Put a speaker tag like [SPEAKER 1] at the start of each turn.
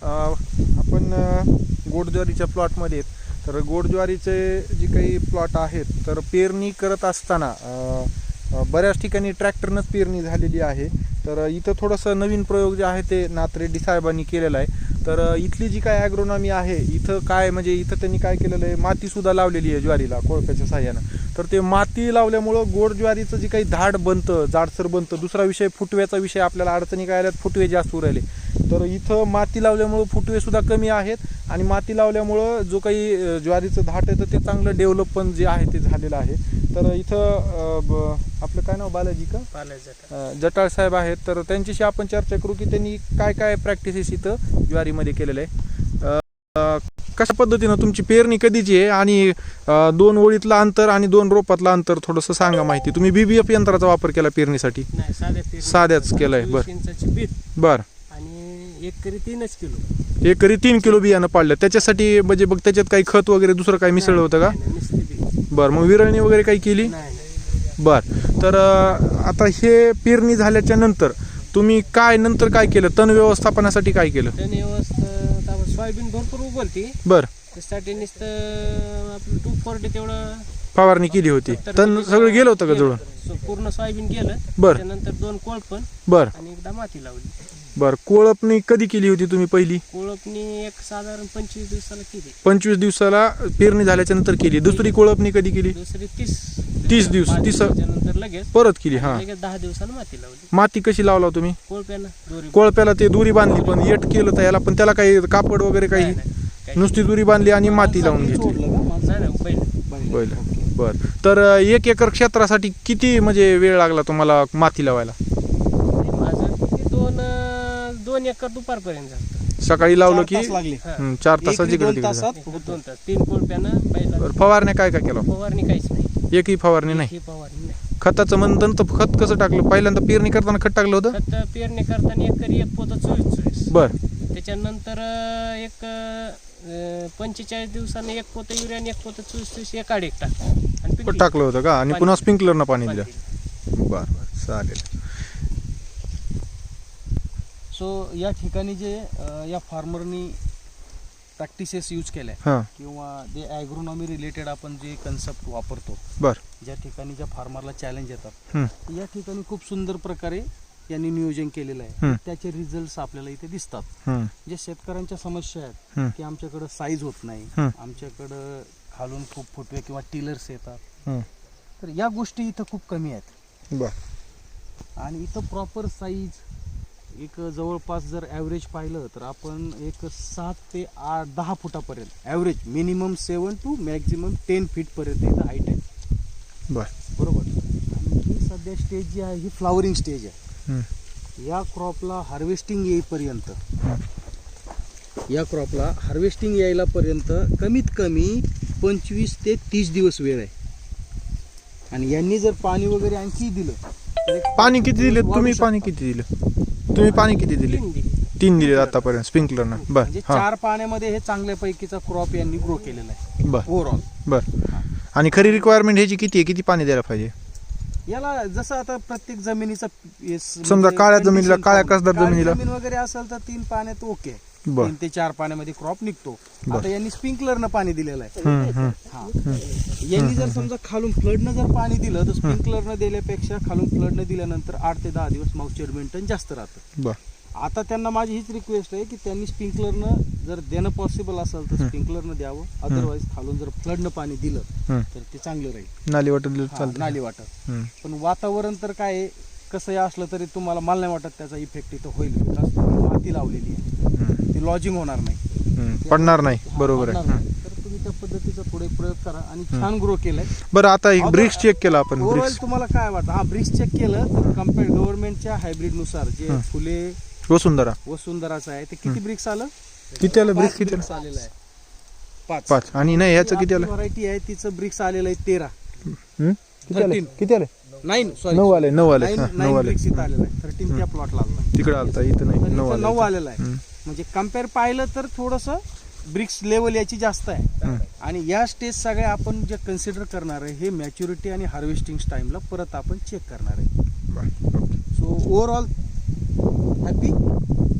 [SPEAKER 1] आपण गोड ज्वारीच्या प्लॉटमध्ये आहेत. तर गोड ज्वारीचे जे काही प्लॉट आहेत तर पेरणी करत असताना बऱ्याच ठिकाणी ट्रॅक्टरनंच पेरणी झालेली आहे. तर इथं थोडंसं नवीन प्रयोग जे आहे ते नाथ रेड्डी साहेबांनी केलेला आहे. तर इथली जी काय ॲग्रोनॉमी आहे इथं काय म्हणजे इथं त्यांनी काय केलेलं आहे, मातीसुद्धा लावलेली आहे ज्वारीला कोळप्याच्या साह्यानं. तर ते माती लावल्यामुळं गोड ज्वारीचं जे काही धाड बनतं, जाडसर बनतं. दुसरा विषय फुटव्याचा विषय, आपल्याला अडचणी काय आल्यात, फुटवे जास्त उरायले. तर इथं माती लावल्यामुळं फुटवेसुद्धा कमी आहेत आणि माती लावल्यामुळं जो काही ज्वारीचं धाट आहे तर ते चांगलं डेव्हलप पण जे आहे ते झालेलं आहे. तर इथं आपलं काय नाव, बालाजी का जटाळ साहेब आहेत. तर त्यांच्याशी आपण चर्चा करू की त्यांनी काय काय प्रॅक्टिसेस इथं ज्वारीमध्ये केलेलं आहे. कशा पद्धतीनं तुमची पेरणी कधीची आहे आणि 2 ओळीतलं अंतर आणि 2 रोपातलं अंतर थोडंसं सांगा माहिती. तुम्ही BBF यंत्राचा वापर केला पेरणीसाठी? साध्याच केलाय. बरं.
[SPEAKER 2] आणि एकरी 3 किलो,
[SPEAKER 1] एकरी 3 किलो बियाणं पाडलं. त्याच्यासाठी म्हणजे बघ त्याच्यात काही खत वगैरे दुसरं काही मिसळलं होतं का? बरं. मग विरळणी वगैरे काही केली? बरं. तर आता हे पेरणी झाल्याच्या नंतर तुम्ही काय नंतर काय केलं, तण व्यवस्थापनासाठी काय केलं?
[SPEAKER 2] तण व्यवस्था सोयाबीन भरपूर उगवती.
[SPEAKER 1] बरं.
[SPEAKER 2] त्यासाठी नुसतं आपलं 240 तेवढं
[SPEAKER 1] फवारणी केली होती. तण सगळं गेलं होतं का जुळून?
[SPEAKER 2] पूर्ण सोयाबीन गेलं.
[SPEAKER 1] बरं.
[SPEAKER 2] त्यानंतर 2 कोळपण.
[SPEAKER 1] बरं.
[SPEAKER 2] आणि एकदा माती लावली.
[SPEAKER 1] बरं. कोळपणी कधी केली होती तुम्ही पहिली?
[SPEAKER 2] कोळपणी एक साधारण 25 दिवसाला केली.
[SPEAKER 1] 25 दिवसाला पेरणी झाल्याच्या नंतर केली. दुसरी कोळपणी कधी केली?
[SPEAKER 2] दुसरी
[SPEAKER 1] 30 दिवस. 30
[SPEAKER 2] नंतर लगेच
[SPEAKER 1] परत केली. हा.
[SPEAKER 2] लगेच 10 दिवसाला माती लावली.
[SPEAKER 1] माती कशी लावला तुम्ही?
[SPEAKER 2] कोळप्यानं.
[SPEAKER 1] कोळप्याला ते दोरी बांधली, पण येट केलं तर याला, पण त्याला काही कापड वगैरे काही? नुसती दोरी बांधली आणि माती लावून घेतली. बरं. तर 1 एकर क्षेत्रासाठी किती म्हणजे वेळ लागला तुम्हाला माती लावायला?
[SPEAKER 2] माझं 2 एकर दुपारपर्यंत झालं.
[SPEAKER 1] सकाळी लावलं की
[SPEAKER 3] 4
[SPEAKER 1] तासाची गरज?
[SPEAKER 2] 2 तास 3 कोळप्यानं पहिला.
[SPEAKER 1] फवारण्या काय काय केलं?
[SPEAKER 2] फवारणी काहीच नाही.
[SPEAKER 1] एकही फवारणी नाही.
[SPEAKER 2] फवारणी नाही.
[SPEAKER 1] खताचं म्हणतं तर खत कसं टाकलं? पहिल्यांदा पेरणी करताना खत टाकलं होतं?
[SPEAKER 2] खत पेरणी करताना एकरी 1 पोतं 24.
[SPEAKER 1] बरं.
[SPEAKER 2] त्याच्यानंतर एक 45 दिवसांनी 1 पोतं युरिया आणि 1 पोतं 24 एकाड एक
[SPEAKER 1] टाकलं होतं का? आणि पुन्हा स्प्रिंकलरनं पाणी दिलं? बरं बरं, चालेल.
[SPEAKER 3] सो या ठिकाणी जे या फार्मरनी प्रॅक्टिसेस यूज केल्या किंवा जे ॲग्रोनॉमी रिलेटेड आपण जे कन्सेप्ट वापरतो,
[SPEAKER 1] बरं,
[SPEAKER 3] ज्या ठिकाणी ज्या फार्मरला चॅलेंज येतात या ठिकाणी खूप सुंदर प्रकारे यांनी नियोजन केलेलं आहे. त्याचे रिझल्ट्स आपल्याला इथे दिसतात. जे शेतकऱ्यांच्या समस्या आहेत की आमच्याकडं साईज होत नाही, आमच्याकडं खालून खूप फुटवे किंवा टिलर्स येतात, तर या गोष्टी इथं खूप कमी आहेत. आणि इथं प्रॉपर साईज एक जवळपास जर ॲव्हरेज पाहिलं तर आपण एक 7 ते 10 फुटापर्यंत ॲव्हरेज, मिनिमम 7 टू मॅक्झिमम 10 फीटपर्यंत इथं हाईट आहे. बरोबर. आणि ही सध्या स्टेज जी आहे ही फ्लावरिंग स्टेज आहे. या क्रॉपला हार्वेस्टिंग येईपर्यंत, या क्रॉपला हार्वेस्टिंग यायला पर्यंत कमीत कमी 25 ते 30 दिवस वेळ आहे. आणि यांनी जर पाणी वगैरे आणखी दिलं,
[SPEAKER 1] पाणी किती दिले तुम्ही? पाणी किती दिलं तुम्ही? पाणी किती दिले? 3 दिले आतापर्यंत स्प्रिंकलरनं. बरं.
[SPEAKER 3] म्हणजे 4 पाण्यामध्ये हे चांगल्यापैकीचा क्रॉप यांनी ग्रो केलेला आहे.
[SPEAKER 1] बरं.
[SPEAKER 3] ओव्हरऑल.
[SPEAKER 1] बरं. आणि खरी रिक्वायरमेंट ह्याची किती आहे? किती पाणी द्यायला पाहिजे
[SPEAKER 3] याला? जसं आता प्रत्येक जमिनीचा
[SPEAKER 1] समजा काळ्या जमिनीला, काळ्या कसदार जमिनीला
[SPEAKER 3] जमीन वगैरे असेल तर 3 पाण्यात ओके, 3 ते 4 पाण्यामध्ये क्रॉप निघतो. आता यांनी स्प्रिंकलरनं पाणी दिलेलं आहे. यांनी जर समजा खालून फ्लडनं जर पाणी दिलं तर स्प्रिंकलरनं दिल्यापेक्षा खालून फ्लडनं दिल्यानंतर 8 ते 10 दिवस मॉइश्चर मेंटेन जास्त राहतं. आता त्यांना माझी हीच रिक्वेस्ट आहे की त्यांनी स्प्रिंकलरनं जर देणं पॉसिबल असेल तर स्प्रिंकलरनं द्यावं. अदरवाईज खालून जर फ्लडनं पाणी दिलं तर ते चांगलं राहील.
[SPEAKER 1] नाली वाटत
[SPEAKER 3] नाली वाटत. पण वातावरण तर काय कसंही असलं तरी तुम्हाला, मला नाही वाटत त्याचा इफेक्ट इथं होईल. माती लावलेली आहे, ती लॉजिंग होणार नाही,
[SPEAKER 1] पडणार नाही. बरोबर आहे.
[SPEAKER 3] तर तुम्ही त्या पद्धतीचा थोडे प्रयोग करा. आणि छान ग्रो केलाय.
[SPEAKER 1] बरं. आता ब्रिक्स चेक केला आपण.
[SPEAKER 3] ओव्हरऑल तुम्हाला काय वाटतं? ब्रिक्स चेक केलं तर कम्पेअर गव्हर्नमेंटच्या हायब्रिड नुसार जे फुले वसुंधराचं आहे ते किती ब्रिक्स आलं?
[SPEAKER 1] किती आलं ब्रिक्स? किती
[SPEAKER 3] आलेलं आहे?
[SPEAKER 1] 5. आणि नाही ह्याचं किती आलं?
[SPEAKER 3] व्हरायटी आहे तिचं ब्रिक्स आलेलं आहे 13.
[SPEAKER 1] किती आले?
[SPEAKER 3] 9
[SPEAKER 1] आले. 9 आले.
[SPEAKER 3] 9 ब्रिक्स इथं आलेलं आहे. 13 त्या प्लॉटला आलं.
[SPEAKER 1] तिकडे आलता, इथं नाही.
[SPEAKER 3] 9 आलेलं आहे. म्हणजे कम्पेअर पाहिलं तर थोडंसं ब्रिक्स लेवल याची जास्त आहे. आणि या स्टेज सगळ्या आपण जे कन्सिडर करणार आहे हे मॅच्युरिटी आणि हार्वेस्टिंग टाइमला परत आपण चेक करणार आहे. So overall happy.